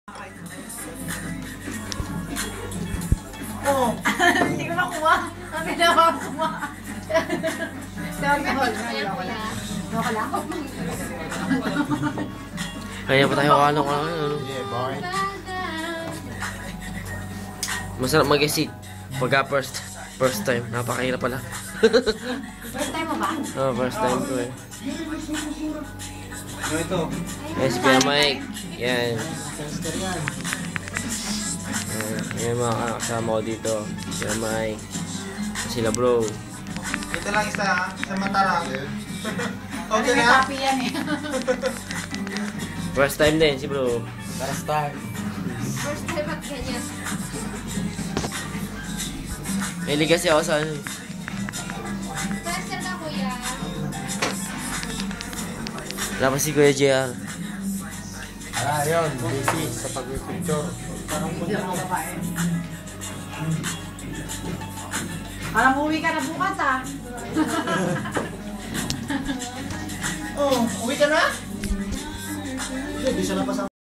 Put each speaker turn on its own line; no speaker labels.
Oh. Hindi ko makuha. Ang ginawa ko kuha. Sabi ko, okay lang.
Kaya pa tayo ano.
Yeah, boy.
Masarap mag-isip. Pagka first time. Napakahirap pala.
First time mo ba?
Oh, first time ko eh.
Ano ito?
Yes, Kuya Mike. Yan.
Tester yan.
Yan mga kasama ko dito. Kuya Mike. Sila bro.
Ito lang isa ha. Sa Matarang. Okay
May
na?
copy yan eh.
First time din si bro.
First time.
First time at ganyan.
May ligas ako sa ano.
First time na kuya.
Wala pa si Kuya JR.
Yun. Busy sa pag-picture.
Hindi ako babae. Parang uwi ka na bukas ah.
Oh, uwi ka na? Hindi, di siya napasama.